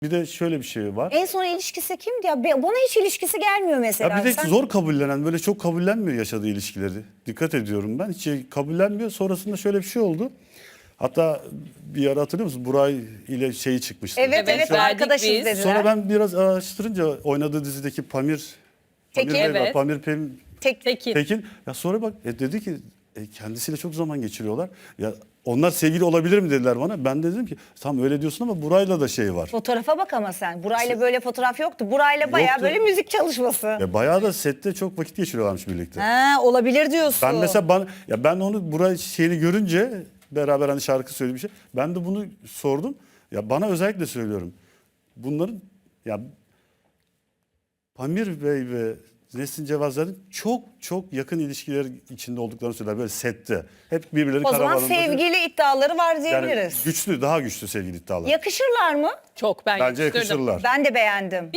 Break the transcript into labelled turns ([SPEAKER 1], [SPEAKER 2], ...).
[SPEAKER 1] Bir de şöyle bir şey var.
[SPEAKER 2] En son ilişkisi kimdi ya? Bana hiç ilişkisi gelmiyor mesela.
[SPEAKER 1] Ya bir de
[SPEAKER 2] Sen-
[SPEAKER 1] zor kabullenen, böyle çok kabullenmiyor yaşadığı ilişkileri. Dikkat ediyorum ben. Hiç kabullenmiyor. Sonrasında şöyle bir şey oldu. Hatta bir ara hatırlıyor musun? Buray ile şeyi çıkmıştı.
[SPEAKER 2] Evet
[SPEAKER 3] Evet,
[SPEAKER 2] evet
[SPEAKER 3] verdik
[SPEAKER 2] arkadaşız
[SPEAKER 3] biz.
[SPEAKER 2] dediler.
[SPEAKER 1] Sonra ben biraz araştırınca oynadığı dizideki Pamir
[SPEAKER 2] Tekin.
[SPEAKER 1] Bey var,
[SPEAKER 3] Evet.
[SPEAKER 1] Pamir
[SPEAKER 3] Tekin.
[SPEAKER 1] Tekin. Ya sonra bak dedi ki kendisiyle çok zaman geçiriyorlar. Ya onlar sevgili olabilir mi dediler bana. Ben de dedim ki tam öyle diyorsun ama Buray'la da şey var.
[SPEAKER 2] Fotoğrafa bak ama sen. Burayla böyle fotoğraf yoktu. Burayla bayağı
[SPEAKER 1] Yoktu.
[SPEAKER 2] böyle müzik çalışması.
[SPEAKER 1] Ya bayağı da sette çok vakit geçiriyorlarmış birlikte.
[SPEAKER 2] Ha, olabilir diyorsun.
[SPEAKER 1] Ben mesela ben onu Buray şeyini görünce beraber hani şarkı söylediği bir şey. Ben de bunu sordum. Ya bana özellikle söylüyorum. Bunların ya Pamir Bey ve Nesin Cevazlar'ın çok yakın ilişkiler içinde olduklarını söyler böyle sette. Hep birbirleri
[SPEAKER 2] O zaman
[SPEAKER 1] karavanında.
[SPEAKER 2] sevgili iddiaları var
[SPEAKER 1] yani
[SPEAKER 2] diyebiliriz.
[SPEAKER 1] güçlü, daha güçlü sevgili iddialar.
[SPEAKER 2] Yakışırlar mı?
[SPEAKER 3] Çok ben
[SPEAKER 1] Bence
[SPEAKER 3] yakıştırdım.
[SPEAKER 1] yakışırlar.
[SPEAKER 2] Ben de beğendim.